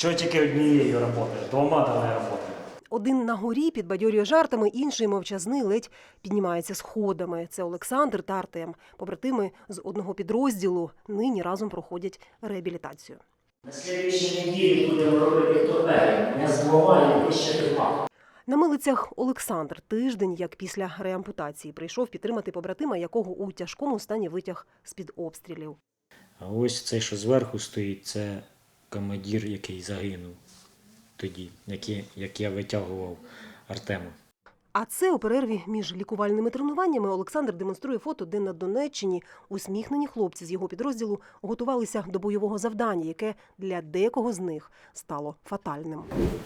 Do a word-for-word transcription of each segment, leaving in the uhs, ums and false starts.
Чого тільки однією працює, двома там не працює. Один на горі підбадьорює жартами, інший мовчазний ледь піднімається сходами. Це Олександр та Артем. Побратими з одного підрозділу нині разом проходять реабілітацію. На слідчій неділі будемо робити турнір. Не з двома і ще трьома. На Милицях Олександр тиждень, як після реампутації, прийшов підтримати побратима, якого у тяжкому стані витяг з-під обстрілів. А ось цей, що зверху стоїть, це командир, який загинув тоді, який, як я витягував Артема. А це у перерві між лікувальними тренуваннями Олександр демонструє фото, де на Донеччині усміхнені хлопці з його підрозділу готувалися до бойового завдання, яке для декого з них стало фатальним.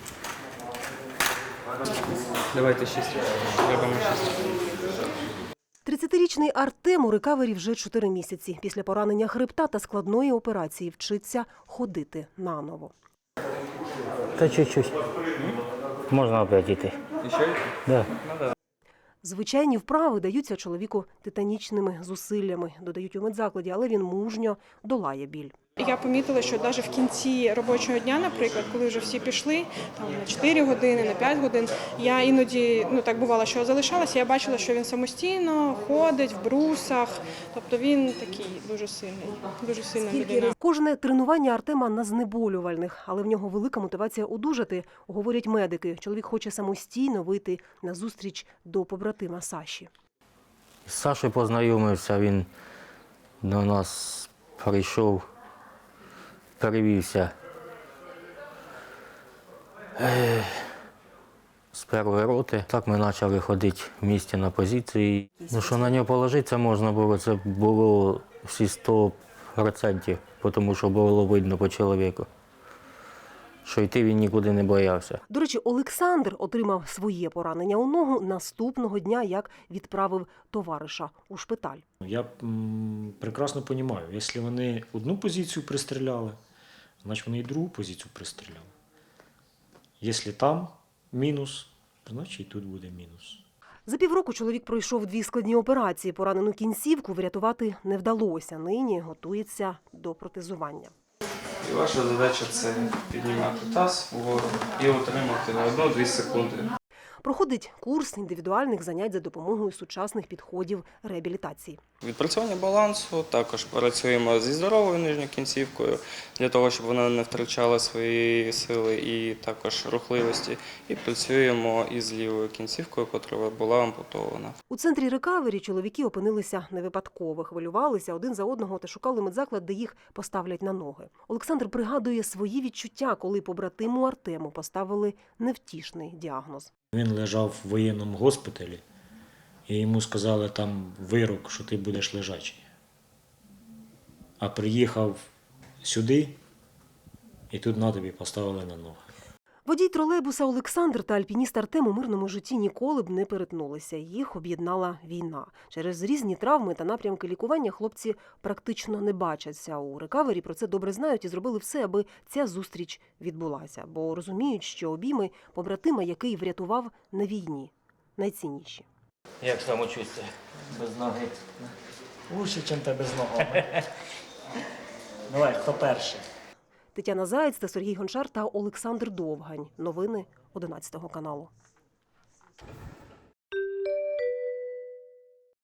Давайте шість. Робимо шість. тридцятирічний Артем у рекавері вже чотири місяці. Після поранення хребта та складної операції вчиться ходити наново. Та чуть-чуть. Можна опять йти. І що йти? Да. Ну, да. Звичайні вправи даються чоловіку титанічними зусиллями, додають у медзакладі, але він мужньо долає біль. Я помітила, що навіть в кінці робочого дня, наприклад, коли вже всі пішли там на чотири години, на п'ять годин, я іноді, ну так бувало, що залишалася, я бачила, що він самостійно ходить в брусах, тобто він такий дуже сильний, дуже сильна людина. Кожне тренування Артема на знеболювальних, але в нього велика мотивація одужати, говорять медики. Чоловік хоче самостійно вийти на зустріч до побратима Саші. З Сашою познайомився, він до нас прийшов, перевівся е, з першої роти. Так ми почали ходити в місті на позиції. Ну, що на нього положитися можна було, це було всі сто відсотків, тому що було видно по чоловіку, що йти він нікуди не боявся. До речі, Олександр отримав своє поранення у ногу наступного дня, як відправив товариша у шпиталь. Я м, прекрасно розумію, якщо вони одну позицію пристріляли, значить вони і другу позицію пристріляли. Якщо там мінус, значить і тут буде мінус. За півроку чоловік пройшов дві складні операції. Поранену кінцівку врятувати не вдалося. Нині готується до протезування. І ваша задача – це піднімати таз вгору і отримати на одну-дві секунди. Проходить курс індивідуальних занять за допомогою сучасних підходів реабілітації. Відпрацювання балансу, також працюємо зі здоровою нижньою кінцівкою, для того, щоб вона не втрачала свої сили і також рухливості. І працюємо із лівою кінцівкою, яка була ампутована. У центрі рекавері чоловіки опинилися не випадково, хвилювалися один за одного та шукали медзаклад, де їх поставлять на ноги. Олександр пригадує свої відчуття, коли побратиму Артему поставили невтішний діагноз. Він лежав в воєнному госпіталі, і йому сказали там вирок, що ти будеш лежачий. А приїхав сюди, і тут на тобі поставили на ноги. Водій тролейбуса Олександр та альпініст Артем у мирному житті ніколи б не перетнулися. Їх об'єднала війна. Через різні травми та напрямки лікування хлопці практично не бачаться. У рекавері про це добре знають і зробили все, аби ця зустріч відбулася. Бо розуміють, що обійми побратима, який врятував на війні, найцінніші. Як самочуття без ноги? Лучше, ніж тебе з ногами. Давай, хто перший? Тетяна Заєць та Сергій Гончар та Олександр Довгань. Новини одинадцятого каналу.